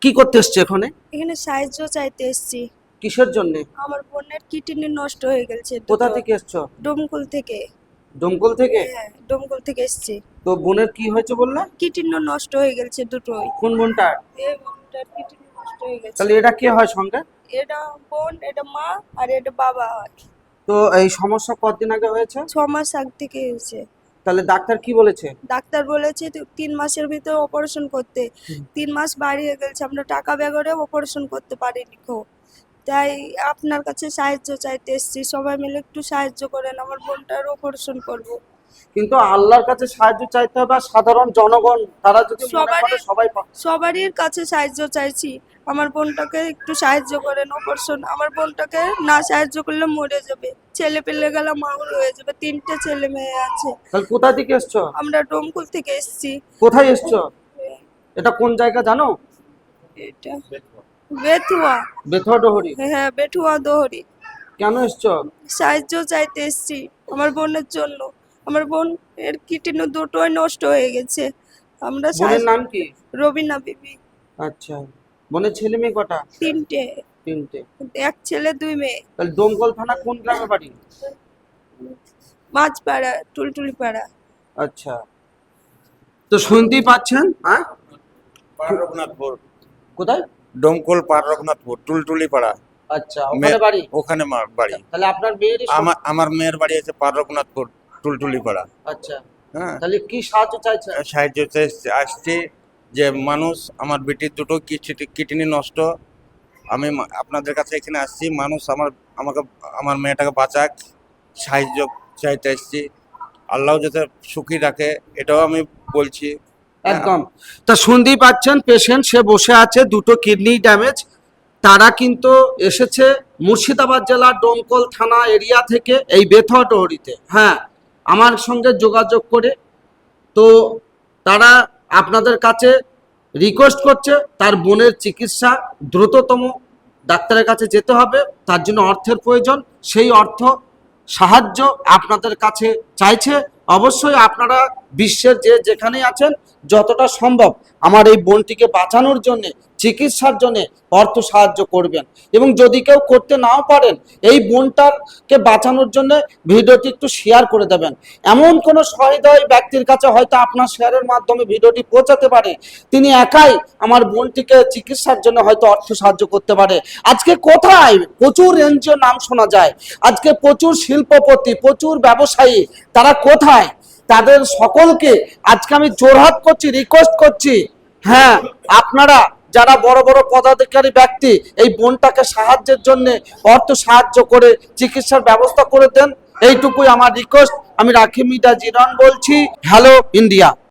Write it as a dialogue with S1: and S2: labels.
S1: কি করতে এসছে এখানে?
S2: এখানে সাহায্য চাইতে এসেছি।
S1: কিসের জন্য?
S2: আমার বোনের কিডনি নষ্ট হয়ে গেছে।
S1: কোথা থেকে এসছো?
S2: ডোমকল থেকে।
S1: দমকল থেকে?
S2: হ্যাঁ, ডোমকল থেকে এসেছি।
S1: তো বোনের কি হয়েছে বললে?
S2: কিডনি নষ্ট হয়ে গেছে দুটোই।
S1: কোন বোনটার?
S2: এই বোনটার কিডনি নষ্ট হয়ে গেছে।
S1: তাহলে এটা কে হয় সঙ্গে?
S2: এটা বোন, এটা মা, আর এটা বাবা হয়।
S1: তো এই সমস্যা কতদিন আগে হয়েছে?
S2: 6 মাস আগ থেকে হয়েছে।
S1: তাহলে ডাক্তার কি বলেছে?
S2: ডাক্তার বলেছে 3 মাসের ভিতরে অপারেশন করতে। 3 মাস বাড়িয়ে গেছে, আমরা টাকা বেগরে অপারেশন করতে পারিনি কো। তাই আপনার কাছে সাহায্য চাইতে এসেছি, সবাই মিলে একটু সাহায্য করেন, আমার বোনটার অপারেশন করব।
S1: কিন্তু আল্লাহর কাছে সাহায্য চাইতে হবে, আর সাধারণ জনগণ তারা যদি মনে করে সবাই
S2: সবারই কাছে সাহায্য চাইছি, আমার বোনটাকে একটু সাহায্য করেন অপারেশন। আমার বোনটাকে না সাহায্য করলে মরে যাবে, ছেলে পেলে গেলে মাউর হয়ে যাবে, 3টে ছেলে মেয়ে আছে।
S1: তাহলে কোথা থেকে এসছো?
S2: আমরা ডোমকুল থেকে এসেছি।
S1: কোথায় এসছো? এটা কোন জায়গা জানো?
S2: এটা বেথুয়া।
S1: বেথুয়া ডোহরি?
S2: হ্যাঁ, বেথুয়া দোহরি।
S1: কেন এসছো?
S2: সাহায্য চাইতে এসেছি আমার বোনের জন্য। আমার বোন এর কিডনি দুটোই নষ্ট হয়ে গেছে। আমরা
S1: বোনের নাম কি?
S2: রবিনা বিবি।
S1: আচ্ছা, বোনের ছেলে মেয়ে কটা?
S2: 3টে।
S1: 3টে।
S2: এক ছেলে 2 মেয়ে।
S1: তাহলে দমকল থানা কোন গ্রামে বাড়ি?
S2: মাঝপাড়া, টুলটুলি পাড়া।
S1: আচ্ছা, তো শুনতেই পাচ্ছেন। হ্যাঁ,
S3: পাড়া রঘুনাথপুর,
S1: কোথায়?
S3: ডোমকল পাড়া রঘুনাথপুর, টুলটুলি পাড়া।
S1: আচ্ছা, ওখানে বাড়ি?
S3: ওখানে বাড়ি।
S1: তাহলে আপনার মেয়ের
S3: আমার মেয়ের বাড়ি আছে পাড়া রঘুনাথপুর, টুলটুলি পাড়া।
S1: আচ্ছা,
S3: হ্যাঁ,
S1: তাহলে কি সাহায্য চাইছে?
S3: সাহায্য আসছে যে মানুষ, আমার বেটির দুটো কিডনি নষ্ট, আমি আপনাদের কাছে এখানে আসছি, মানুষ আমাকে আমার মেয়েটাকে বাঁচাক, সাহায্য চাইতে আসছি, আল্লাহ যাতে সুখী রাখে, এটাও আমি বলছি।
S1: একদম। তা শুনতেই পাচ্ছেন, পেশেন্ট সে বসে আছে, দুটো কিডনি ড্যামেজ। তারা কিন্তু এসেছে মুর্শিদাবাদ জেলার ডোমকল থানা এরিয়া থেকে, এই বেথুয়া ডোহরিতে। হ্যাঁ, আমার সঙ্গে যোগাযোগ করে। তো তারা আপনাদের কাছে রিকোয়েস্ট করছে তার বোনের চিকিৎসা দ্রুততম ডাক্তারের কাছে যেতে হবে, তার জন্য অর্থের প্রয়োজন। সেই অর্থ সাহায্য আপনাদের কাছে চাইছে। অবশ্যই আপনারা বিশ্বের যেখানেই আছেন, যতটা সম্ভব আমার এই বোনটিকে বাঁচানোর জন্যে, চিকিৎসার জন্যে অর্থ সাহায্য করবেন। এবং যদি কেউ করতে নাও পারেন, এই বোনটাকে বাঁচানোর জন্য ভিডিওটি একটু শেয়ার করে দেবেন। এমন কোনো সহৃদয় ব্যক্তির কাছে হয়তো আপনার শেয়ারের মাধ্যমে ভিডিওটি পৌঁছাতে পারে, তিনি একাই আমার বোনটিকে চিকিৎসার জন্য হয়তো অর্থ সাহায্য করতে পারে। আজকে কোথায় প্রচুর এনজিও নাম শোনা যায়, আজকে প্রচুর শিল্পপতি, প্রচুর ব্যবসায়ী, তারা কোথায়? তাদের সকলকে আজকে আমি জোরহাত করছি, রিকোয়েস্ট করছি, হ্যাঁ, আপনারা যারা বড় বড় পদাধিকারী ব্যক্তি, এই বোনটাকে সাহায্যের জন্য অর্থ সাহায্য করে চিকিৎসার ব্যবস্থা করে দেন। এইটুকুই আমার রিকোয়েস্ট। আমি রাখি মিডিয়া জিরন বলছি। Hello India.